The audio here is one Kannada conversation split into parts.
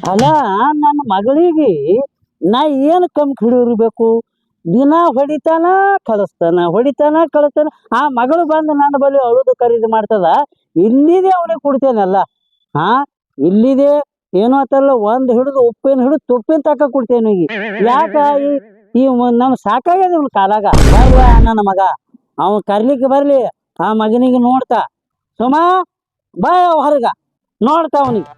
ಅಲ್ಲ ನನ್ನ ಮಗಳಿಗೆ ನಾ ಏನು ಕಮ್ಮಿ ಹಿಡಿದಿರ್ಬೇಕು. ದಿನ ಹೊಡಿತಾನ ಕಳಿಸ್ತಾನ. ಆ ಮಗಳು ಬಂದು ನನ್ನ ಬಳಿ ಅಳುದು ಖರೀದಿ ಮಾಡ್ತದ. ಇಲ್ಲಿದೆ ಅವನಿಗೆ ಕೊಡ್ತೇನಲ್ಲ. ಹಾ, ಇಲ್ಲಿದೆ ಏನೋ ಅಂತಲ್ಲ, ಒಂದು ಹಿಡಿದು ಉಪ್ಪಿನ ತುಪ್ಪಿನ ತಕ್ಕ ಕೊಡ್ತೇನೆ ಈಗ. ಯಾಕ ಈ ನಮ್ ಸಾಕಾಗ್ಯದ ಇವ್ನ ಕಾಲಾಗ. ಬರ್ವ ನನ್ನ ಮಗ, ಅವನ್ ಕರ್ಲಿಕ್ಕೆ ಬರ್ಲಿ. ಆ ಮಗನಿಗೆ ನೋಡ್ತಾ ಸುಮಾ ಬಾ ಹೊರಗ ನೋಡ್ತಾ ಅವನಿಗೆ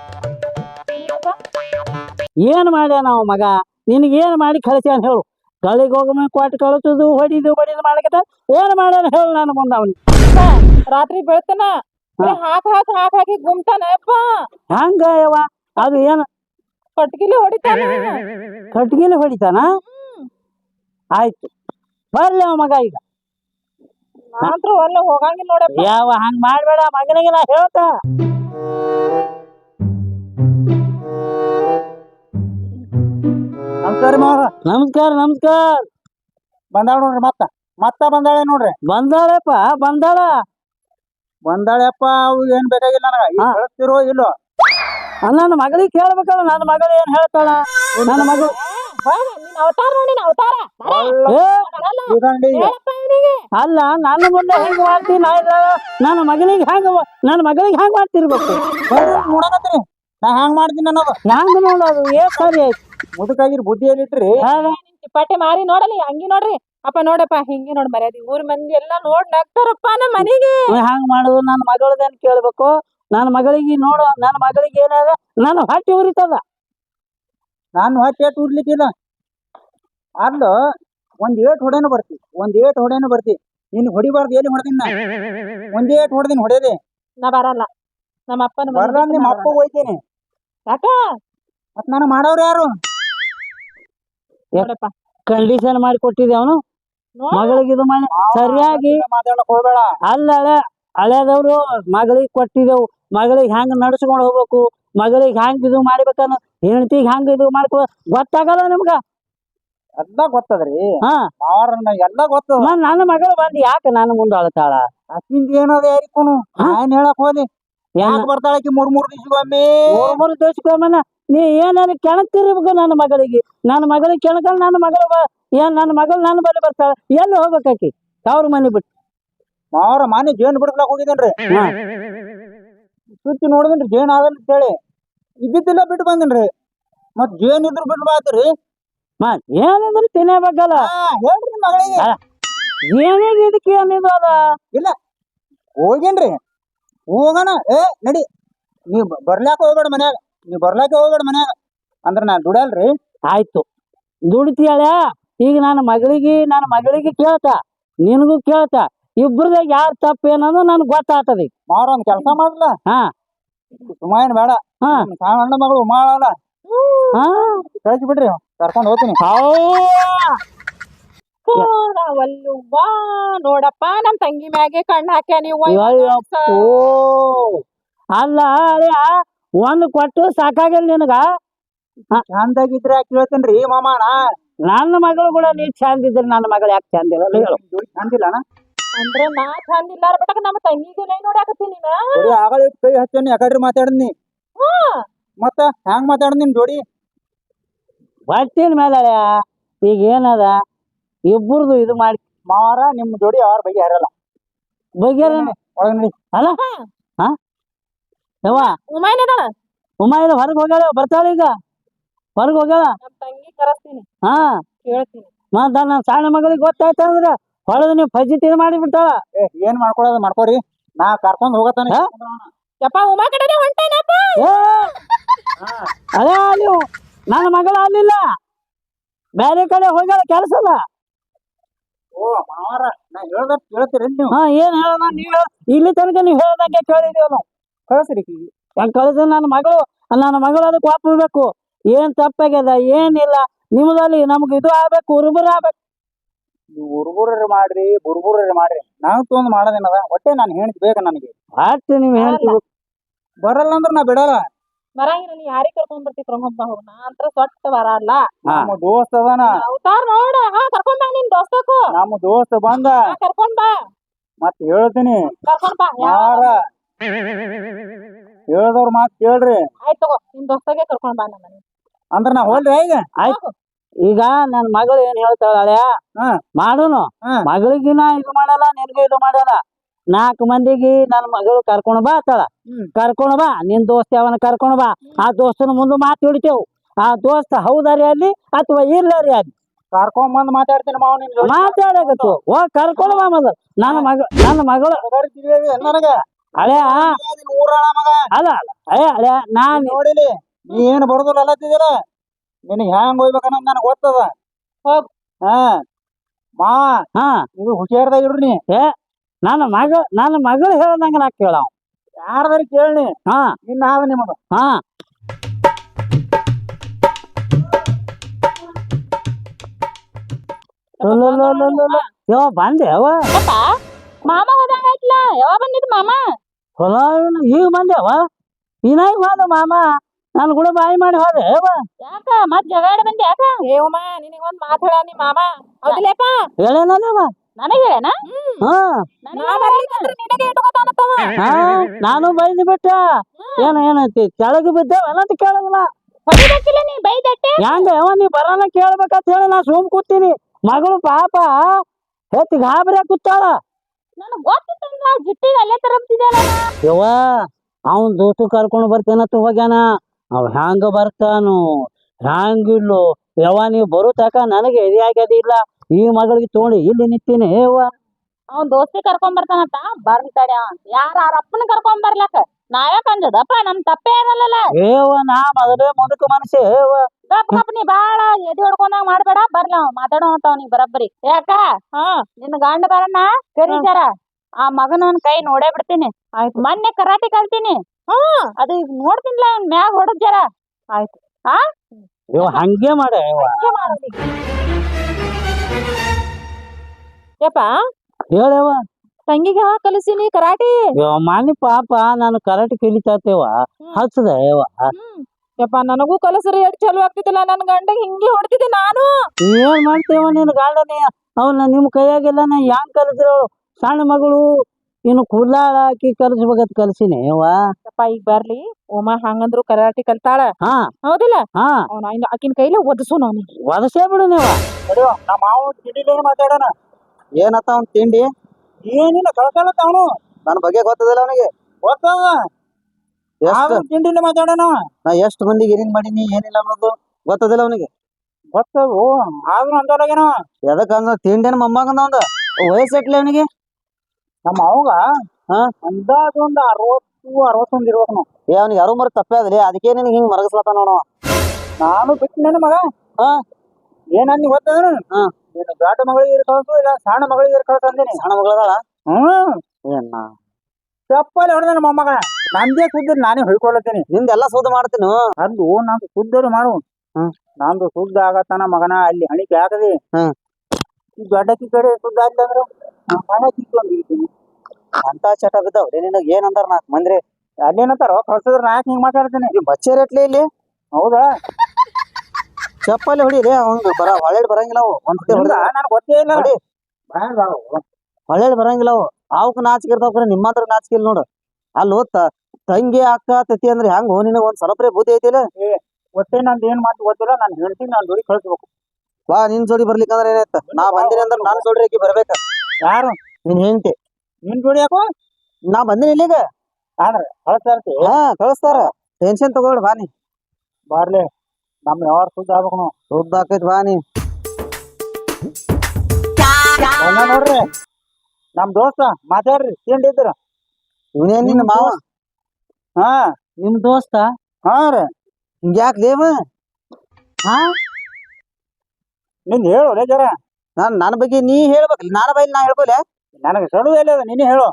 ಏನ್ ಮಾಡ್ಯ ನಾವು ಮಗ. ನಿನಗೇನ್ ಮಾಡಿ ಕಳಿಸ್ಯಾನ ಹೇಳು. ಕಳಿಗೆ ಹೋಗಮ ಕೊಟ್ಟು ಕಳಿಸೋದು ಹೊಡಿದು ಮಾಡಕತ್ತ ಏನ್ ಮಾಡ್ಯಾನ ಹೇಳು ನಾನು ಮುಂದೆ ಅವನಿಗೆ. ರಾತ್ರಿ ಬೆಳ್ತಾನ ಹಾಕಿ ಗುಮ್ತಾನಪ್ಪ. ಹಂಗ ಯವ್ವ ಅದು ಏನು ಕಟ್ಗಿಲಿ ಹೊಡಿತಾನ. ಕಟ್ಗಿಲಿ ಹೊಡಿತಾನ. ಆಯ್ತು ಬರ್ಲಿ ಅವ ಮಗ ಈಗ. ನಾನ್ರು ಒಲ್ಲ ಹೋಗಂಗಿಲ್ಲ ನೋಡಪ್ಪ. ಯಾವ ಹಂಗ ಮಾಡ್ಬೇಡ ಮಗನಿಗೆ ನಾ ಹೇಳ್ತಾ. ನಮಸ್ಕಾರ ಮಾವ. ನಮಸ್ಕಾರ. ಬಂದಾಳ ನೋಡ್ರಿ. ಮತ್ತ ಬಂದಾಳೆ ನೋಡ್ರಿ. ಬಂದಾಳಪ್ಪ ಬಂದಾಳಪ್ಪ. ಅವು ಏನ್ ಬೇಕಾಗಿಲ್ಲ ನನಗ. ಕಳಿಸ್ತಿರೋ ಇಲ್ಲೋ ನನ್ನ ಮಗಳಿಗೆ ಕೇಳ್ಬೇಕಲ್ಲ. ನನ್ನ ಮಗಳು ಏನ್ ಹೇಳ್ತಾಳ. ನನ್ನ ಮಗಳು ಅಲ್ಲ ನನ್ನ ಮುಂದೆ ಹೆಂಗ್ ಮಾಡ್ತೀನಿ. ನನ್ನ ಮಗಳಿಗೆ ಹೆಂಗ್ ಮಾಡ್ತಿರ್ಬೇಕು. ನೋಡಕತ್ರಿ ನಾ ಹ್ಯಾಂಗ್ ಮಾಡ್ತೀನಿ ಅನ್ನೋದು. ಹೆಂಗ್ ನೋಡೋದು ಏನ್ ಸರಿ ಆಯ್ತು. ಮುದುಕಾಗಿರ್ ಬುದ್ಧಿಯಲ್ಲಿ ಇಟ್ರಿ. ಚಿಪ್ಪಾಟಿ ಮಾರಿ ನೋಡಲಿ ಹಂಗಿ ನೋಡ್ರಿ. ಅಪ್ಪ ನೋಡಪ್ಪ ಹಿಂಗೆ ನೋಡ್ ಮರ್ಯಾದಿ ಊರ್ ಮಂದಿ ಎಲ್ಲಾ ನೋಡ್ ನಗ್ತಾರಪ್ಪ ನಮ್ಮ ಮನೆಗೆ. ಹಂಗ್ ಮಾಡುದು ನನ್ನ ಮಗಳದೇನ್ ಕೇಳ್ಬೇಕು. ನನ್ನ ಮಗಳಿಗೆ ನೋಡು. ನನ್ನ ಮಗಳಿಗೆ ಏನಾದ ನನ್ನ ಹೊಟ್ಟೆ ಉರಿತದ. ನಾನು ಹೊಟ್ಟೆ ಉರ್ಲಿಕ್ಕಿಲ್ಲ. ಅಲ್ಲೋ ಒಂದ್ ಏಟ್ ಹೊಡೆನು ಬರ್ತಿ. ನೀನ್ ಹೊಡಿಬಾರ್ದು. ಎಲ್ಲಿ ಹೊಡೆದಿನ ಒಂದ್ ಏಟ್ ಹೊಡೆದೆ. ನಾ ಬರಲ್ಲ. ನಮ್ಮ ಅಪ್ಪನ ಬರಲ್ಲ. ನಿಮ್ಮ ಅಪ್ಪ ಹೋಯ್ತೇನೆ. ಯಾಕ ಮತ್ ನಾನು ಮಾಡೋರು ಯಾರು. ನೋಡಪ್ಪ ಕಂಡೀಷನ್ ಮಾಡಿ ಕೊಟ್ಟಿದ್ದೆ ಅವನು ಮಗಳಿಗೆ ಇದು ಮಾಡಿ ಸರಿಯಾಗಿ ಮಾತಾಡಕ್ ಹೋಗ್ಬೇಡ. ಅಲ್ಲ ಹಳೆದವ್ರು ಮಗಳಿಗೆ ಕೊಟ್ಟಿದ್ದೆವು. ಮಗಳಿಗೆ ಹೆಂಗ್ ನಡ್ಸ್ಕೊಂಡ್ ಹೋಗ್ಬೇಕು, ಮಗಳಿಗೆ ಹೆಂಗ್ ಇದು ಮಾಡ್ಬೇಕನ್ನ, ಹೆಂಡತಿಗೆ ಹೆಂಗ್ ಇದು ಮಾಡ್ಕೊ ಗೊತ್ತಾಗಲ್ಲ ನಿಮ್ಗ. ಎಲ್ಲ ಗೊತ್ತದ್ರಿ. ಹಾ ಎಲ್ಲ ಗೊತ್ತದ. ನನ್ನ ಮಗಳು ಬಂದು ಯಾಕೆ ನಾನು ಮುಂದೆ ಅಳ್ತಾಳ. ಅಕ್ಕಿಂದ ಏನದ ಯಾರಿಕೋನು ಏನ್ ಹೇಳಕ್ ಹೋಲಿ. ಯಾಕೆ ಬರ್ತಾಳಕಿ ಮೂರ್ ದಿವ್ಸಗೊಮ್ಮೆ. ಮೂರು ದಿವ್ಸಕ್ಕೊಮ್ಮೆ ನೀ ಏನಾರ ಕೆಣಕ್ತಿರ್ಬೇಕು. ನನ್ನ ಮಗಳಿಗೆ ಕೆಣಕಲ್. ನನ್ನ ಮಗಳು ನನ್ನ ಬಳಿ ಬರ್ತಾಳ. ಎಲ್ಲಿ ಹೋಗ್ಬೇಕಾಕಿ ಅವ್ರ ಮನೆ ಬಿಟ್ಟು. ಮಾವ್ರ ಮನೆ ಜೇನ್ ಬಿಡ್ಸ್ಲಾಕ್ ಹೋಗಿದ್ದೇನ್ರಿ. ಸುತ್ತಿ ನೋಡಿದ್ರಿ ಜೇನ್ ಆಗಲ್ಲ ಅಂತ ಹೇಳಿ ಇದ್ದಿದ್ದಿಲ್ಲ ಬಿಟ್ಟು ಬಂದೇನ್ರಿ. ಮತ್ ಜೇನ್ ಇದ್ರು ಬಿಟ್ಟು ಬಾತ್ರಿ. ಏನಿದ್ರು ತಿನ್ನಬೇಕಲ್ಲ. ಹೇಳ್ರಿ ಮಗಳಿಗೆ. ಏನಿದೆ ಇದಕ್ಕೆ ಏನಿದು ಅದ ಇಲ್ಲ ಹೋಗೇನ್ರಿ. ಹೋಗೋಣ. ನಡಿ. ನೀವ್ ಬರ್ಲಾಕ ಹೋಗ್ಬೇಡ ಮನ್ಯಾಗ. ಅಂದ್ರ ನಾ ದುಡಲ್ರಿ. ಆಯ್ತು ದುಡಿತೀಯಾಳ. ಈಗ ನನ್ನ ಮಗಳಿಗೆ ಕೇಳ್ತಾ, ನಿನಗೂ ಕೇಳ್ತಾ, ಇಬ್ರದಾಗ ಯಾರು ತಪ್ಪು ಏನಂದ್ರೆ ನನ್ಗೆ ಗೊತ್ತಾಗ್ತದ. ಈಗ ಮಾವ್ರ ಒಂದ್ ಕೆಲಸ ಮಾಡ್ಲ. ಹಾ ಸುಮಾಯನ್ ಬೇಡ. ಸಣ್ಣ ಮಗಳು ಉಮಾಳಲ್ಲ. ಕಳಿಸಿ ಬಿಡ್ರಿ. ಕರ್ಕೊಂಡ್ ಹೋಗ್ತೀನಿ. ನೋಡಪ್ಪ ನಮ್ ತಂಗಿ ಮ್ಯಾಗೆ ಕಣ್ಣು ಹಾಕ್ಯ ನೀವು. ಅಲ್ಲ ಅಳಿಯ ಒಂದು ಕೊಟ್ಟು ಸಾಕಾಗಿಲ್ಲ ನಿನಗ. ಚಂದಾಗಿದ್ರೆ ಯಾಕೆ ಕೇಳ್ತೇನ್ರಿ ಮಾಮಾಣ. ನನ್ನ ಮಗಳು ಕೂಡ ನೀ ಚಂದ ಇದ್ರಿ. ನನ್ನ ಮಗಳು ಯಾಕೆ ಚಂದ ಇಲ್ಲ ಹೇಳು. ಚಂದಿಲ್ಲ ಅಂದ್ರೆ ನಾ ಚಂದ ಇಲ್ಲ ಬಟ್ ನಮ್ಮ ತಂಗಿಗೆ ನೋಡಾಕತ್ತೀನಿ. ಆಗಲ ಕೈ ಹಚ್ಚನಿ ಯಾಕಡ್ರಿ ಮಾತಾಡನಿ. ಮತ್ತ ಹ್ಯಾಂಗ್ ಮಾತಾಡ ನಿಮ್ ಜೋಡಿ. ಬರ್ತೀನಿ ಮೇಲೆ ಈಗ ಏನದ ಇಬ್ಬರದು ಇದು ಮಾಡಿ ಮಾರ ನಿಮ್ ಜೋಡಿ ಯಾರ ಬಗ್ಗೆ ಹರಲ್ಲ. ಬಗೆರ ಅಲ್ಲ. ಹಾ ಯವ್ವ ಉಮಾಯಿನ ಹೊರಗೆ ಹೋಗ್ಯಾಳ. ಬರ್ತಾಳ ಈಗ ಹೊರಗೆ ಹೋಗ್ಯಾಳ. ನಮ್ಮ ತಂಗಿ ಕರೆಸ್ತೀನಿ. ಹಾ ಕೇಳ್ತೀನಿ. ಮತ್ತ ನನ್ನ ಸಣ್ಣ ಮಗಳಿಗೆ ಗೊತ್ತಾಯ್ತ ಅಂದ್ರೆ ಹೊಳದ ನೀವು ಫಜಿತಿ ಮಾಡಿ ಬಿಡ್ತಾಳ. ಏನ್ ಮಾಡ್ಕೊಳೋದು ಮಾಡ್ಕೋರಿ. ನಾ ಕರ್ಕೊಂಡ್ ಹೋಗತಾನೆ. ಯಪ್ಪ ಉಮಾ ಕಡೆ ಹೊಂಟೇನಪ್ಪ. ಅದೇ ನೀವು ನನ್ನ ಮಗಳು ಅಲ್ಲಿಲ್ಲ, ಬೇರೆ ಕಡೆ ಹೋಗ್ಯಾಳ ಕೆಲಸದ. ಓ ಮಾವಾರ ನಾ ಹೇಳ್ದ ಕೇಳ್ತೀರಿ ನೀವು. ಹಾ ಏನ್ ಹೇಳ ನೀವು ಇಲ್ಲಿ ತನಕ ನೀವು ಹೇಳ್ದಂಗೆ ಕೇಳಿದೀವಿ ನಾವು. ಕಳ್ಸ್ರಿ ಕಳ್ಸ. ನನ್ನ ಮಗಳು ಅದಕ್ಕೆ ಒಪ್ಪಬೇಕು. ಏನ್ ತಪ್ಪಾಗ್ಯದ ಏನಿಲ್ಲ ನಿಮ್ದಲ್ಲಿ ನಮ್ಗೆ ಇದು ಆಗ್ಬೇಕು. ಹುರುಬುರು ಆಗ್ಬೇಕು. ಹುರುಬುರ್ರಿ ಮಾಡ್ರಿ. ನಾವ್ ತೊಂದ್ ಮಾಡೋದೇನದ. ಒಟ್ಟೆ ನಾನು ಹೆಣ್ತಿ ಬೇಕ ನನಗೆ. ಅಷ್ಟು ನೀವ್ ಹೇಳ್ತೀವಿ. ಬರಲ್ಲ ಅಂದ್ರ ನಾ ಬಿಡಲ್ಲ. ಬರಂಗಿಲ್ಲ. ನೀ ಯಾರಿಗೆ ಕರ್ಕೊಂಡ್ ಬರ್ತಿ ಕರ್ಕೊಂಡ್ ಹೋಗ್. ನಾ ಅಂತ ಸೊಟ್ಟ ಬರಲ್ಲ. ನಮ್ಮ ದೋಸ್ತ ಅದಾನ. ಅವತಾರ ನೋಡ. ಕರ್ಕೊಂಡ್ ಬಾ ನಿನ್ ದೋಸ್ತಕ್ಕೂ. ನಮ್ಮ ದೋಸ್ತ ಬಂದ ಕರ್ಕೊಂಡ್ ಬಾ. ಮತ್ ಹೇಳ್ತೀನಿ. ಕರ್ಕೊಂಡ್ ಬಾ. ಯಾರ ಹೇಳ್ದವ್ರ ಮಾತ್ ಕೇಳ್ರಿ ಆಯ್ತ್ ತಗೋ ನಿನ್ ದೋಸ್ತಾಗೆ ಕರ್ಕೊಂಡ್ ಬಾ ನಮ್ಮ ಮನೆ ಅಂದ್ರ ನಾ ಹೋಲ್ರಿ ಈಗ ಆಯ್ತು ಈಗ ನನ್ ಮಗಳು ಏನ್ ಹೇಳ್ತಾಳ ಅಳ್ಯಾ ಹಾ. ಮಾಡುನು ಹಾ. ಮಗಳಿಗಿನ ಇದು ಮಾಡಲ್ಲ ನಿನ್ಗೂ ಇದು ಮಾಡಲ್ಲ 4 ಮಂದಿಗೆ ನನ್ ಮಗಳು ಕರ್ಕೊಂಡ್ ಬಾ ಅತ್ತಾಳ ಹ್ಮ್. ಕರ್ಕೊಂಡ್ ಬಾ ನಿನ್ ದೋಸ್ತ ಅವನ ಕರ್ಕೊಂಡ್ ಬಾ ಆ ದೋಸ್ತನ ಮುಂದೆ ಮಾತು ಹಿಡಿತೇವು ಆ ದೋಸ್ತ ಹೌದಾರಿ ಅಲ್ಲಿ ಅಥವಾ ಇರ್ಲಾರಿ ಅಲ್ಲಿ ಕರ್ಕೊಂಡ್ ಬಂದ್ ಮಾತಾಡ್ತೀನಿ ಮಾವ ನಿನ್ ಜೋಡಿ. ಮಾತಾಡಕತ್ತು ಹೋಗ್ ಕರ್ಕೊಂಡ್ ಬಾ ಮೊದಲು ನನ್ನ ಮಗಳು ಮಾತಾಡ್ತಿದ್ದೀವಿ ನನಗ ಹಳ್ಯಾ ಊರಾಳ ಮಗ ಅಲ್ಲ ಹಳ್ಯಾ ನಾನ್ ನೋಡಿಲಿ ನೀ ಏನ್ ಬಡದಲ್ಲ ಅಲ್ಲತ್ತಿದ್ದೀರ ನಿನಗ್ ಹ್ಯಾಂಗ್ ಹೋಗ್ಬೇಕನ್ನೋದ್ ನನಗ್ ಗೊತ್ತದ ಹೋಗ್. ಹಾ ಮಾ ಹಾ ಇದು ಹುಷಾರ್ದಾಗ ಇಡ್ರಿ ನನ್ನ ಮಗಳು ಹೇಳ್ದಂಗ ನಾ ಕೇಳವ ಯಾರ್ದಾರ ಕೇಳಿ ಹಾ ಇನ್ನ ಆದ ನಿಮ್ಮದು ಹಾ ಯಾವ ಬಂದೆ ಯಾವ ಯಪ್ಪ ಮಾಮ ಹೋದಂಗಾಯ್ತಲ್ಲ ಯಾವಾಗ ಬಂದಿದ್ ಮಾಮ ಹೊಲ ಈಗ ಬಂದೆವ ಇನ್ನಾಗ ಬಂದ ಮಾಮ ನಾನು ಕೂಡ ಬಾಯಿ ಮಾಡಿ ಹೋದೆ ಯಾವ ಯಾಕ ಮತ್ ಜಗಾಡ ಬಂದಿ ಯಾಕ ಏವಮ್ಮ ನಿನಗೊಂದ್ ಮಾತ್ ಹೇಳ ನಿಮ್ ಮಾಮ ಹೌದಿಲ್ಲಪ್ಪ ಹೇಳೇನವ ನನಗ್ ಹೇಳೇನ ಹಾ ನಿನಗೆ ಇಟ್ಕೋತಾನತ್ತವ ಹಾ ನಾನು ಬೈದು ಬಿಟ್ಟ ಏನೈತಿ ಕೆಳಗೆ ಬಿದ್ದೇವಲ್ಲ ಅಂತ ಕೇಳಲ್ಲ ಹೊಡಿಬೇಕಿಲ್ಲ ನೀ ಬೈದಟ್ಟೆ ಹೆಂಗ ಯಾವ ನೀ ಬರೋಣ ಕೇಳ್ಬೇಕಂತ ಹೇಳಿ ನಾ ಸುಮ್ ಕೂತೀನಿ ಮಗಳು ಪಾಪ ಹೆಚ್ಚು ಗಾಬರಿ ಕೂತಾಳ ನನಗ್ ಗೊತ್ತಿತ್ತಂದ್ರ ಜಿಟ್ಟಿಗೆ ಅಲ್ಲೇ ತರಬ್ತಿದ್ದಲ್ಲ ಯವ್ವ ಅವನ್ ದೋಸ್ತು ಕರ್ಕೊಂಡು ಬರ್ತೇನಂತ ಹೋಗ್ಯಾನ ಅವ್ ಹ್ಯಾಂಗ ಬರ್ತಾನು ಹ್ಯಾಂಗಿಲ್ಲೋ ಯವ್ವ ನೀವು ಬರೋ ತಕ ನನಗೆ ಎದೆ ಆಗ್ಯದಿಲ್ಲ ಈ ಮಗಳಿಗೆ ತಗೊಂಡು ಇಲ್ಲಿ ನಿಂತೀನಿ ಯವ್ವ ಅವ್ನ್ ದೋಸ್ತಿ ಕರ್ಕೊಂಡ್ ಬರ್ತಾನಂತ ಬರ್ಲಿ ತಡ ಯಾರ ಅವ್ರ ಅಪ್ಪನ ಕರ್ಕೊಂಡ್ ಬರ್ಲಕ್ಕ ನಾವ್ಯಾಕ ಅಂಜದಪ್ಪ ನಮ್ ತಪ್ಪೇ ಇರಲ್ಲ ಏವ ನಾ ಮೊದಲೇ ಮುದುಕ ಮನಸ್ಸೆ ಯವ್ವ ಗಪ್ ಗಪ್ ನೀ ಬಾಳ ಎದಿ ಹೊಡ್ಕೊಂಡಾಗ ಮಾಡ್ಬೇಡ ಬರ್ಲ ಅವ್ ಮಾತಾಡೋ ಅಂತ ಅವ್ನಿಗೆ ಬರಬ್ಬರಿ ಯಾಕ ನಿನ್ನ ಗಂಡ ಬರಣ್ಣ ಕರೀತಾರ ಆ ಮಗನವನ್ ಕೈ ನೋಡೇ ಬಿಡ್ತೀನಿ ಆಯ್ತು ಮೊನ್ನೆ ಕರಾಟೆ ಕಲ್ತೀನಿ ಅದು ಈಗ ನೋಡ್ತೀನಿಲ್ಲ ಅವ್ನ್ ಮ್ಯಾಗ ಹೊಡದ್ ಜರ ಆಯ್ತು ಯವ್ವ ಹಂಗೆ ಮಾಡ ಯವ್ವ ಯಪ್ಪ ಹೇಳವ್ವ ತಂಗಿಗೆ ಯಾವಾಗ ಕಲಿಸಿನಿ ಕರಾಟಿ ಯವ್ವ ಮಾನಿ ಪಾಪ ನಾನು ಕರಾಟೆ ಕಲಿತಾತೇವ ಹಚ್ಚದ ಯವ್ವ ಯಪ್ಪ ನನಗೂ ಕಲಸ್ರಿ ಎಷ್ಟ್ ಚಲೋ ಆಗ್ತಿದ್ದಿಲ್ಲ ನನ್ ಗಂಡಗ್ ಹಿಂಗೆ ಹೊಡ್ತಿದ್ದೆ ನಾನು ಏನ್ ಮಾಡ್ತೇವ ನಿನ್ ಗಾರ್ಡನೆ ಅವನ್ನ ನಿಮ್ ಕೈಯಾಗೆಲ್ಲ ನಾ ಹ್ಯಾಂಗ್ ಕಲಿಸಿರೋಳು ಸಣ್ಣ ಮಗಳು ಇನ್ನು ಕುಲ್ಲಾಳ ಹಾಕಿ ಕಲಿಸ್ಬೇಕಂತ ಕಲ್ಸಿನಿ ಯವ್ವ ಯಪ್ಪ ಈಗ ಬರ್ಲಿ ಓಮ ಹಂಗಂದ್ರು ಕರಾಟಿ ಕಲ್ತಾಳ ಹಾ ಹೌದಿಲ್ಲ ಹಾ ಅವ್ನ ಆಕಿನ ಕೈಲೇ ಒದಸು ಅವನಿಗೆ ಒದಸೇ ಬಿಡು ನೀವ ನಡಿಯೋ ನಮ್ಮ ಮಾವ ತಿಂಡಿಲೇನು ಮಾತಾಡೋಣ ಏನತ್ತ ಅವ್ನ್ ತಿಂಡಿ ಏನಿಲ್ಲ ಕಳ್ಕೊಳತ್ತ ಅವನು ನನ್ನ ಬಗ್ಗೆ ಗೊತ್ತದಿಲ್ಲ ಅವನಿಗೆ ಗೊತ್ತದ ತಿಂಡಿಲೇ ಮಾತಾಡೋಣ ನಾ ಎಷ್ಟು ಮಂದಿಗೆ ಏನೇನ್ ಮಾಡೀನಿ ಏನಿಲ್ಲ ಅನ್ನೋದು ಗೊತ್ತದಿಲ್ಲ ಅವನಿಗೆ ಗೊತ್ತದು ಆದ್ರೂ ಅಂತವ್ರಾಗೇನ ಎದಕ್ ಅಂದ್ರ ತಿಂಡಿನ ಮೊಮ್ಮಗಂದ ಅವಂದ ವಯಸ್ಸೆಟ್ಲಿ ಅವನಿಗೆ ನಮ್ಮ ಅವಾಗ ಅಂದಾಜು ಒಂದು 60-61 ಇರ್ಬೇಕು ನಾವು ಅವನಿಗೆ ಯಾರು ಮರ ತಪ್ಪೇ ಅದ್ರಿ ಅದಕ್ಕೆ ನಿನಗೆ ಹಿಂಗ್ ಮರಗಸ್ಲತ್ತ ನೋಡ ನಾನು ಬಿಟ್ಟಿನ ಮಗ ಏನಂದಿ ಗೊತ್ತದ ನೀನು ದೊಡ್ಡ ಮಗಳಿಗೆ ಕಳ್ಸು ಇಲ್ಲ ಸಣ್ಣ ಮಗಳಿಗೆ ಕಳ್ಸು ಅಂದಿನಿ ಸಣ್ಣ ಮಗಳದಾಳ ಏನ ಚಪ್ಪಲಿ ಹೊಡೆದ ಮೊಮ್ಮಗ ನಂದೇ ಸುದ್ದಿ ನಾನೇ ಹೊಯ್ಕೊಳತೀನಿ ನಿಂದೆಲ್ಲ ಸುದ್ದಿ ಮಾಡ್ತೀನಿ ಅದು ನಂದು ಸುದ್ದಿ ಮಾಡು ನಂದು ಸುದ್ದಿ ಆಗತ್ತಾನ ಮಗನ ಅಲ್ಲಿ ಹಣಿಕೆ ಆಗದಿ ಈ ದೊಡ್ಡಕ್ಕಿ ಕಡೆ ಸುದ್ದಿ ಆಗ್ಲಿ ಅಂದ್ರ ಹಣ ಕಿತ್ಕೊಂಡಿರ್ತೀನಿ ಅಂತ ಚಟ ಬಿದ್ದಾವ್ರಿ ನಿನಗೆ ಏನಂದಾರ 4 ಮಂದಿ ಅಲ್ಲೇನಂತಾರೋ ಕಳ್ಸಿದ್ರ ನಾ ಯಾಕೆ ಹಿಂಗ್ ಮಾತಾಡ್ತೀನಿ ಬಚ್ಚೆ ರೇಟ್ಲಿ ಇಲ್ಲಿ ಹೌದಾ ಚಪ್ಪಲಿ ಹೊಡಿರಿ ಅವ್ನು ಹೊಳೆ ಬರಂಗಿಲ್ಲ ಅವು ಒಂದ್ಸತಿ ಹೊಡೆದ ನನಗೆ ಗೊತ್ತೇ ಇಲ್ಲ ಹೊಳೆ ಬರಂಗಿಲ್ಲ ಅವು ಅವಕ್ ನಾಚಿಕೆ ಇರ್ತಾವ ನಿಮ್ಮ ಹತ್ರ ನಾಚಿಕೆ ಇಲ್ಲ ನೋಡು ಅಲ್ಲಿ ತಂಗಿ ಅಕ್ಕ ತತಿ ಅಂದ್ರೆ ಹೆಂಗ್ ನಿನಗ ಒಂದ್ ಸ್ವಲ್ಪ್ರೆ ಬುದ್ಧಿ ಐತಿಲ್ಲ ಒಟ್ಟೆ ನಂದು ಏನ್ ಮಾತು ಗೊತ್ತಿಲ್ಲ ನಾನು ಹೇಳ್ತೀನಿ ನಾನು ಜೋಡಿ ಕಳ್ಸ್ಬೇಕು ಬಾ ನಿನ್ ಜೋಡಿ ಬರ್ಲಿಕ್ಕಂದ್ರೆ ಏನಾಯ್ತ ನಾ ಬಂದಿನಿ ಅಂದ್ರೆ ನಾನು ಜೋಡಿ ಆಕಿ ಬರ್ಬೇಕ ಯಾರು ನೀನ್ ಹೆಂಡತಿ ನಿನ್ ಜೋಡಿ ಯಾಕೋ ನಾ ಬಂದಿನಿ ಇಲ್ಲಿಗೆ ಆದ್ರೆ ಕಳಿಸ್ತಾರ ಟೆನ್ಷನ್ ತಗೊಳ್ಳಿ ಬಾ ನೀ ಬಾರ್ಲಿ ನಮ್ ಯಾವಾಗ ಸುದ್ದಿ ಆಗ್ಬೇಕು ನಾವು ಸುದ್ದಿ ಆಕೈತಿ ಬಾ ನೀ ನೋಡ್ರಿ ನಮ್ ದೋಸ್ತ ಮಾತಾಡ್ರಿ ತಿಂಡಿ ಇದ್ರ ಇವನೇನ್ ನಿನ್ನ ಮಾವ ನಿಮ್ ದೋಸ್ತ ರೀ ಹಿಂಗ್ಯಾಕ್ ಲೇವ ನಿಂದ ಹೇಳು ಜರ ನನ್ನ ಬಗ್ಗೆ ನೀ ಹೇಳ್ಬೇಕಲ್ಲ ನನ್ನ ಬೈಲಿ ನಾ ಹೇಳ್ಕೊಲೆ ನನಗೆ ಸಡು ಎಲ್ಲ ನೀನೇ ಹೇಳು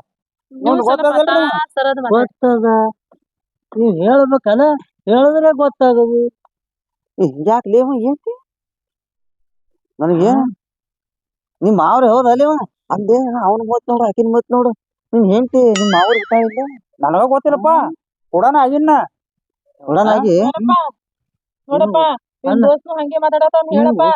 ಗೊತ್ತದ ನೀವ್ ಹೇಳ್ಬೇಕಲ್ಲ ಹೇಳಿದ್ರೆ ಗೊತ್ತಾಗದು ಹಿಂಗ್ಯಾಕ್ ಲೇವ ಏನ್ತಿ ನನಗೆ ನಿಮ್ ಮಾವ್ರಿ ಹೌದ ಅಲ್ಲಿವ ಅಂದೆ ಅವ್ನ ಮತ್ ನೋಡು ಆಕಿನ ಮತ್ ನೋಡು ನಿನ್ ಹೆಂಡತಿ ನಿಮ್ ಮಾವ್ರ ಊಟ ಇಲ್ಲ ನನಗ ಗೊತ್ತಿಲ್ಲಪ್ಪ ಕೊಡೋಣ ಆಗಿನ್ನ ಕೊಡೋಣ ಆಗಿ ನೋಡಪ್ಪ ನಿಮ್ ದೋಸ್ತ ಹಂಗೆ ಮಾತಾಡತಾನ ಹೇಳಪ್ಪ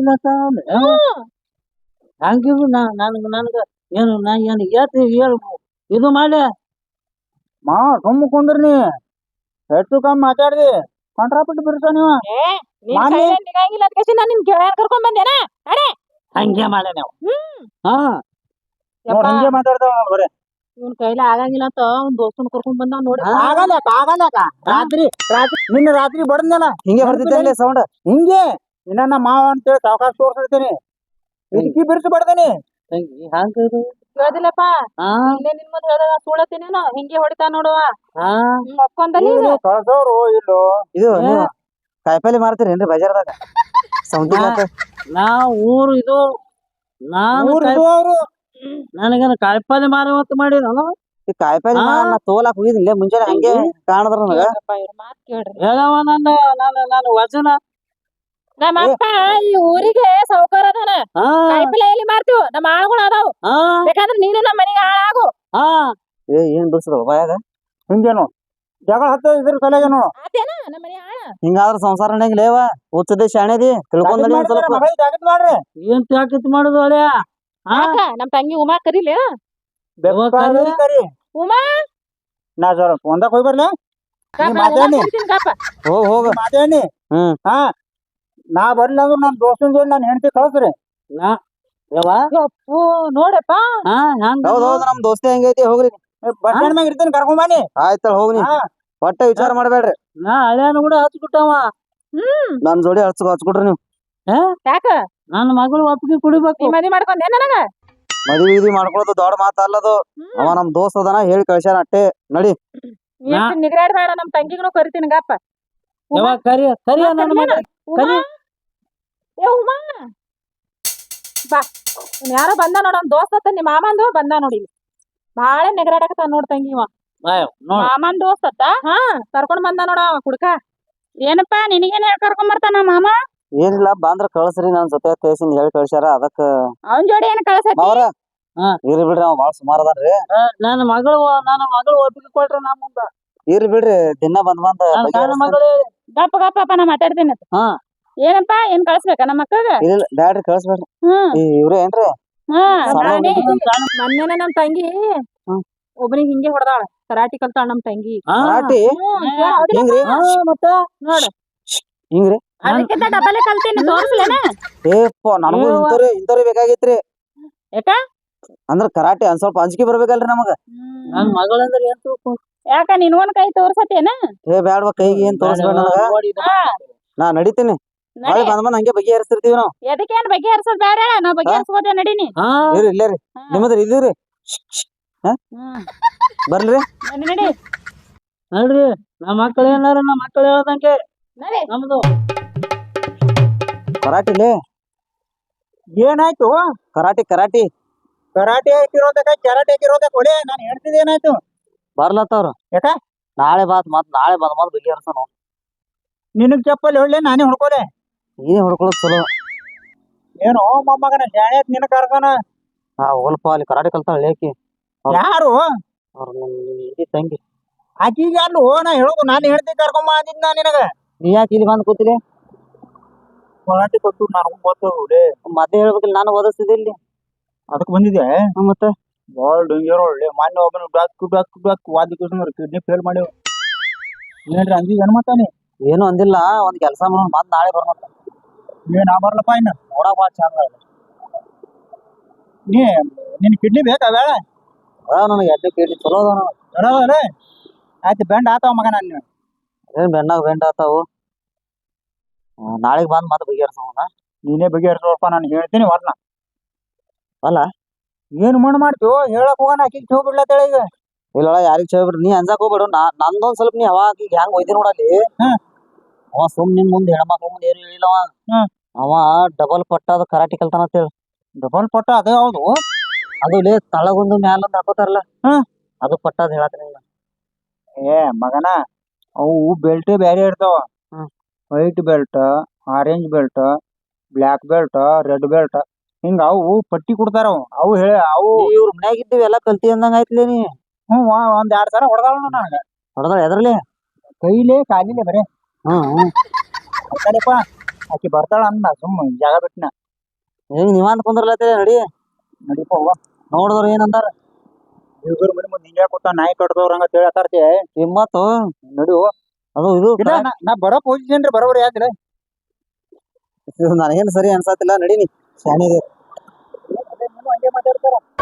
ಹಂಗಿರು ನನಗ ಏನು ನಾ ಏನು ಹೇಳ್ ಇದು ಮಾಡ ಮಾ ಸುಮ್ಮ ಕುಂದ್ರಿ ಹೆಚ್ಚು ಕಮ್ಮಿ ಮಾತಾಡ್ದಿ ಕಂಟ್ರಾಪಟ್ಟು ಬಿರ್ಸ ನೀವು ನಿನ್ ಮಾನ್ಯ- ಕೈಲೇ ನಿಗಂಗಿಲ್ಲ ಅದ್ಕೇಸಿ ನಾನ್ ನಿನ್ ಗೆಳೆಯನ್ ಕರ್ಕೊಂಡ್ ಬಂದೇನ ಹಂಗೆ ಮಾಡ ನಾವು ಹಾ ನೋಡ್ ಹಿಂಗೆ ಮಾತಾಡ್ತಾವ ಬರೇ ಇವ್ನ ಕೈಲಿ ಆಗಂಗಿಲ್ಲ ಅಂತ ಅವ್ನ್ ದೋಸ್ತನ್ ಕರ್ಕೊಂಡ್ ಬಂದ ನೋಡಿ ಆಗಲ್ಲ ರಾತ್ರಿ ನಿನ್ನ ರಾತ್ರಿ ಬಡದ್ನಲ್ಲ ಹಿಂಗೆ ಬರ್ತಿದ್ದೆ ಸೌಂಡ್ ಹಿಂಗೆ ಇನ್ನ ನಮ್ಮ ಮಾವ ಅಂತೇಳಿ ಸಾವಕಾಶ ತೋರ್ಸಿರ್ತೀನಿ ಇದಕ್ಕಿ ಬಿರ್ಸಿ ಬಡ್ದೇನಿ ತಂಗಿ ಹಂಗ ಕೇಳ್ದಿಲ್ಲಪ್ಪ ಹಾ ಇಲ್ಲೇ ನಿನ್ ಮುಂದೆ ಹೇಳ್ದಾಗ ಸುಳತಿನೇನೋ ಹಿಂಗೆ ಹೊಡಿತಾ ನೋಡುವ ಹಾ ಒಪ್ಕೊಂದಲ್ಲಿ ಕಳ್ಸೋರು ಇಲ್ಲೋ ಇದು ನೀವು ಕಾಯಿಪಲ್ಲೆ ಮಾರ್ತೀರೇನ್ರಿ ಬಜಾರ್ದಾಗ ಸೌಂದಿ ನಾ ಊರು ಇದು ನಾನು ಅವರು ನನಗೇನು ಕಾಯಿಪಲ್ಲೆ ಮಾರುವತ್ತು ಮಾಡಿ ನಾನು ಈ ಕಾಯಿಪಲ್ಲೆ ಹಾ. ನಾ ತೋಲಾಕ್ ಹೋಗಿದ್ದಿಲ್ಲ ಮುಂಜಾನೆ ಹಂಗೆ ಕಾಣದ್ರ ನನಗ ಇವ್ರ ಮಾತ್ ಕೇಳ್ರಿ ಹೇಳವ ನಾನು ವಚನ ನಮ್ಮ ಅಪ್ಪ ಈ ಊರಿಗೆ ಸೌಕರ್ ಅದಾನ ಹಾ ಕಾಯಿಪಲ್ಲೆ ಎಲ್ಲಿ ಮಾರ್ತೀವ್ ನಮ್ಮ ಆಳುಗಳು ಅದಾವ ಹಾ ಬೇಕಾದ್ರೆ ನೀನು ನಮ್ಮ ಮನೆಗೆ ಹಾಳಾಗು ಹಾ ಏನ್ ಬಿಡ್ಸದ ಬಾಯಾಗ ಹಿಂಗೇನು ಜಗಳ ಹತ್ತ ಇದ್ರ ತಲೆಗೆ ನೋಡು ಆತೇನ ನಮ್ಮ ಮನೆ ಆಳ ಹಿಂಗಾದ್ರ ಸಂಸಾರ ನಡೆಯಂಗಿಲ್ಲೇವ ಹುಚ್ಚದೆ ಶಾಣೆದಿ ತಿಳ್ಕೊಂಡ್ ನಡಿ ಒಂದ್ ಸ್ವಲ್ಪ ಜಾಗತ್ ಮಾಡ್ರಿ ಏನ್ ತ್ಯಾಕಿತ್ ಮಾಡುದು ಅಳ್ಯಾ ಹಾ ಯಾಕ ನಮ್ ತಂಗಿ ಉಮಾ ಕರೀಲಿ ಕರಿ ಉಮಾ ನಾ ಜರ ಒಂದಕ್ ಹೋಗಿ ಬರ್ಲಿ ಕಾಪ, ನೀ ಮಾತಾಡಿ. ಉಮಾ ಕರೀತೀನಿ ಕಾಪ. ಹೋಗ್ ಹೋಗ ಮಾತೇನಿ ಹಾ ನಾ ಬರ್ಲಿ ಅಂದ್ರ ನನ್ ದೋಸ್ತನ ಜೋಡಿ ನಾನು ಹೆಂಡತಿ ಕಳ್ಸ್ರಿ ಯವ್ವ ಯಪ್ಪು, ನೋಡಪ್ಪ ಹಾ ಹಂಗ ಹೌದ್ ಹೌದ್ ನಮ್ ದೋಸ್ತಿ ಹೆಂಗೈತಿ ಹೋಗ್ರಿ ಬಸ್ ಸ್ಟ್ಯಾಂಡ್ ಮ್ಯಾಗ ಇರ್ತೀನಿ ಕರ್ಕೊಂಡ್ ಬನ್ನಿ ಆಯ್ತ ಹೋಗ್ನಿ ಒಟ್ಟ ವಿಚಾರ ಮಾಡ್ಬೇಡ್ರಿ ನಾ ಹಳ್ಯಾನು ಕೂಡ ಹಚ್ಬಿಟ್ಟವ ನನ್ ಜೋಡಿ ಹಚ್ಕೊಟ್ರಿ ನೀವು ಯಾಕ ನನ್ನ ಮಗಳು ಒಪ್ಪಿಗೆ ಕುಡಿಬೇಕು ನೀ ಮದ್ವಿ ಮಾಡ್ಕೊಂಡೆ ನನಗ ಮದ್ವಿ ಗಿದ್ವಿ ಮಾಡ್ಕೊಳ್ಳೋದು ದೊಡ್ಡ ಮಾತ ಅಲ್ಲದು ಅವ ನಮ್ ದೋಸ್ತ ಅದನ ಹೇಳಿ ಕಳ್ಸ್ಯಾನ ಅಟ್ಟೆ ನಡಿ ಎಷ್ಟು ನಿಗ್ರಾಡ್ಬೇಡ ನಮ್ ತಂಗಿಗೂ ಕರಿತೀನಿ ಗಪ್ಪ ಯವ್ವ ಕರಿ ನನ್ನ ಮಗಳು ಉಮಾ ಏ ಉಮಾ ಬಾ ಯಾರೋ ಬಂದ ನೋಡ ಅವ್ನ್ ದೋಸ್ತ ನಿಮ್ಮ ಮಾಮಂದು ಬಂದ ನೋಡಿ ಬಾಳ ನೆಗರಾಡಕತ್ತ ನೋಡ್ ತಂಗಿ ಇವ ನೋಡ್ ಮಾಮನ್ ದೋಸ್ತ ಹಾ ಕರ್ಕೊಂಡ್ ಬಂದ ನೋಡ ಅವ ಕುಡ್ಕ ಏನಪ್ಪಾ ನಿನಗೇನ್ ಹೇಳ್ ಕರ್ಕೊಂಡ್ ಬರ್ತಾನ ಮಾಮ ಏನಿಲ್ಲ ಬಂದ್ರ ಕಳ್ಸ್ರಿ ನನ್ ಜೊತೆ ತೇಸಿಂದ ಹೇಳಿ ಕಳ್ಸ್ಯಾರ ಅದಕ್ಕ ಅವನ್ ಜೋಡಿ ಏನ್ ಕಳ್ಸತಿ ಮಾವ್ರ ಹಾ. ಇರ್ಲಿ ಬಿಡ್ರಿ ಅವ ಬಾಳ ಸುಮಾರ್ ಅದಾನ್ರಿ ನನ್ನ ಮಗಳು ಒಪ್ಪಿಗೆ ಕೊಟ್ರೆ ನಮ್ಮ ಮುಂದ ಇರ್ಲಿ ಬಿಡ್ರಿ ದಿನ ಬಂದ್ ನನ್ನ ಸಣ್ಣ ಮಗಳು ಗಪ್ಪ ಗಪ್ಪ ನಾ ಮಾತಾಡ್ತೀನಿ ಹಾ ಏನಪ್ಪಾ ಏನ್ ಕಳ್ಸ್ಬೇಕ ನಮ್ಮ ಮಕ್ಕಳಿಗ ಇಲ್ಲ ಬ್ಯಾಡ್ರಿ ಕಳ್ಸ್ಬೇಡ್ರಿ ಹ್ಮ್ ಇವ್ರೇ ಏನ್ರಿ ಹಾ ಸಣ್ಣ ನಾನೇ ಸಣ್ಣ ಮೊನ್ನೆನ ನಮ್ ತಂಗಿ ಒಬ್ನಿಗ್ ಹಿಂಗೆ ಹೊಡೆದಾಳ ಕರಾಟಿ ಕಲ್ತಾಳ ನಮ್ ತಂಗಿ ಹಾ. ಕರಾಟಿ ಹಿಂಗ್ರಿ ಹಾ, ಮತ್ತ ನೋಡು ಹಿಂಗ್ರಿ ಅದಕ್ಕಿಂತ ಡಬಲ್ ಕಲ್ತೀನಿ ತೋರ್ಸ್ಲೇನ ಏಪ್ಪ ನನಗೂ ಇಂಥವ್ರಿ ಬೇಕಾಗಿತ್ರಿ ಯಾಕ ಅಂದ್ರ ಕರಾಟೆ ಒಂದ್ ಸ್ವಲ್ಪ ಅಂಜಿಕೆ ಬರ್ಬೇಕಲ್ರಿ ನಮಗ ನನ್ನ ಮಗಳಂದ್ರೆ ಏನ್ ತಿಳ್ಕೊ ಯಾಕ ನೀನ್ ಒಂದ್ ಕೈ ತೋರ್ಸತೇನ ಬ್ಯಾಡ್ವ ಕೈಗೆ ಏನ್ ತೋರಿಸ್ಬೇಡ ನನಗ ನೋಡಿ ಇದು ಹಾ ನಾ ನಡಿತೀನಿ ನಾಳೆ ಬಂದ್ ಹಂಗೆ ಬಗೆಹರಿಸ್ತಿರ್ತೀವಿ ನಾವು ಎದಕ್ಕೇನ್ ಬಗೆಹರ್ಸೋದ್ ಬೇಡ ನಾವ್ ಬಗೆಹರ್ಸ್ಬೋದ ನಡೀನಿ ಹಾ ಇರ್ರಿ ಇಲ್ಲೇ ರೀ ನಿಮ್ಮದ್ರಿ ಇದೀವ್ರಿ ಬರ್ಲ್ರಿ ನಡಿ ನಡಿ ನೋಡ್ರಿ ನಮ್ಮ ಮಕ್ಕಳು ಏನಾರ ನಮ್ಮ ಮಕ್ಕಳು ಹೇಳ್ದಂಗೆ ನಡಿ ನಮ್ದು ಕರಾಟಿಲೇ ಏನಾಯ್ತು ಕರಾಟಿ ಕರಾಟಿ ಕರಾಟೆ ಹಾಕಿರೋದಕ್ಕ ಕೆರಾಟೆ ಹಾಕಿರೋದಕ್ಕ ಒಳ್ಳೆ ನಾನು ಹೇಳ್ತಿದ್ದೆ ಏನಾಯ್ತು ಬರ್ಲತ್ತವ್ರ ಯಾಕ ನಾಳೆ ನಾಳೆ ಬಂದ್ ಬಗೆಹರ್ಸೋಣ ನಿನಗ್ ಚಪ್ಪಲಿ ಹೊಳ್ಳೆ ನಾನೇ ಹೊಡ್ಕೋಲೆ ಏನ್ ಹೊಡ್ಕೊಳ್ಳೋದು ಚಲೋ ಏನೋ ಮೊಮ್ಮಗನ ಶಾಣೆ ನಿನ್ನ ಕರ್ದಾನ ಹೋಲ್ಪ ಅಲ್ಲಿ ಕರಾಟೆ ಕಲ್ತಾಳ ಏಕಿ ಯಾರು ಅವ್ರ ನಿಮ್ ತಂಗಿ ಆಕಿಗೆ ಅಲ್ಲೋ ನಾ ಹೇಳೋದು ನಾನು ಹೇಳ್ತಿ ಕರ್ಕೊಂಬ ಅಂದಿದ್ ನಾ ನಿನಗ ನೀ ಯಾಕೆ ಇಲ್ಲಿ ಬಂದ್ ಕೂತಿರಿ ಕರಾಟೆ ಕೊಟ್ಟು ನನಗೂ ಗೊತ್ತು ಮತ್ತೆ ಹೇಳ್ಬೇಕಿಲ್ಲ ನಾನು ಓದಿಸ್ತಿದ್ದೆ ಇಲ್ಲಿ ಅದಕ್ಕೆ ಬಂದಿದ್ದೆ ಮತ್ತೆ ಬಾಳ ಡೇಂಜರ್ ಒಳ್ಳೆ ಮೊನ್ನೆ ಒಬ್ಬನು ಡಾಕ್ ವಾದಿ ಕಿಡ್ನಿ ಫೇಲ್ ಮಾಡಿವ್ ಏನ್ರಿ ಅಂದಿ ಏನ್ ಮಾತಾನೆ ಏನು ಅಂದಿಲ್ಲ ಒಂದ್ ಕೆಲಸ ಮಾಡೋಣ ಮತ್ ನಾಳೆ ಬರ್ಮಂತ ಏನ್ ಆ ಬರ್ಲಪ್ಪ ಇನ್ನ ನೋಡಕ್ ಬಾಳ ಚಂದ ನೀ ನಿನ್ ಕಿಡ್ನಿ ಬೇಕಾ ಬೇಡ ನನಗೆ ಎಡ್ಡೆ ಕೇಳಿ ಚಲೋ ಅದ ಬರೋದಲ್ಲ ಆಯ್ತು ಬೆಂಡ್ ಆತಾವ ಮಗ ನಾನು ಏನ್ ಬೆಂಡಾಗ ಬೆಂಡ ಆತಾವು ನಾಳೆಗ್ ಬಂದ್ ಮತ್ತೆ ಬಗೆಹರ್ಸೋಣ ನೀನೇ ಬಗೆಹರಿಸೋಪ್ಪ ನಾನು ಹೇಳ್ತೀನಿ ವರ್ಣ ಅಲ್ಲ ಏನ್ ಮಣ್ಣು ಮಾಡ್ತೀವೋ ಹೇಳಕ್ ಹೋಗೋಣ ಆಕಿಗೆ ಚೋ ಬಿಡ್ಲತ್ತೇಳ ಈಗ ಇಲ್ಲ ಯಾರಿಗ್ ಚೇಳ್ಬಿಡ್ರಿ ನೀ ಅಂಜಾಕ್ ಹೋಗ್ಬೇಡು ನಂದೊಂದ್ ಸ್ವಲ್ಪ ನೀ ಅವಾಗ ಈಗ ಹೆಂಗ್ ಒಯ್ದಿ ನೋಡಲ್ಲಿ ಹ್ಮ್. ಅವ ಸುಮ್ ನಿಮ್ ಮುಂದೆ ಹೆಣ್ಮಕ್ಳ ಮುಂದೆ ಏನು ಹೇಳಿಲ್ಲವ ಹ್ಮ್. ಅವ ಡಬಲ್ ಪಟ್ಟಾದ ಕರಾಟಿ ಕಲ್ತಾನ ಅಂತ ಹೇಳಿ ಡಬಲ್ ಪಟ್ಟ ಅದೇ ಹೌದು ಅದು ಲೇ ತಳಗೊಂದು ಮ್ಯಾಲೊಂದು ಹಾಕೋತಾರಲ್ಲ ಹ್ಮ್. ಅದು ಪಟ್ಟಾದ ಹೇಳತ್ತೀನಿ ಏ ಮಗನ ಅವು ಬೆಲ್ಟ್ ಬ್ಯಾರೆ ಇರ್ತಾವ ಹ್ಮ್. White belt orange belt black belt red belt ಹಿಂಗ ಅವು ಪಟ್ಟಿ ಕೊಡ್ತಾರ ಅವು ಹೇಳಿ ಅವು ಇವ್ರ ಮನ್ಯಾಗ ಇದ್ದೀವಿ ಎಲ್ಲ ಕಲ್ತಿ ಅಂದಂಗ ಆಯ್ತಲೇ ನೀ ಒಂದ್ 2 ಸಲ ಹೊಡೆದಾಳ ನನಗ ಹೊಡೆದಾಳ ಎದ್ರಲಿ ಕೈಲೇ ಕಾಲಿಲೆ ಬರೇ ಹ್ಮ್ ಅಕ್ಕಡಪ್ಪ ಆಕಿ ಬರ್ತಾಳ ಅಂದ ಸುಮ್ಮ ಜಾಗ ಬಿಟ್ನ ಹೆಂಗ್ ನೀವಂತ ಕುಂದ್ರಲತ್ತೇ ನಡಿ ನಡಿಪ ಹೋಗ ನೋಡಿದ್ರ ಏನಂದಾರ ಇವ್ರ ಮನೆ ಮುಂದೆ ಹಿಂಗ್ಯಾ ಕೊಟ್ಟ ನಾಯಿ ಕಟ್ಟದವ್ರ ಹಂಗ ಹೇಳತ್ತಾರ್ತಿ ಕಿಮ್ಮತ್ತು ನಡು ಅದು ಇದು ಇಲ್ಲ ನಾ ಬರೋ ಪೊಸಿಷನ್ ರೀ ಬರೋಬರಿ ಯಾಕ್ರಿ ನನಗೇನು ಸರಿ ಅನ್ಸತ್ತಿಲ್ಲ ನಡೀನಿ ಶಾಣಿದೆ ಹಂಗೆ ಮಾತಾಡ್ತಾರ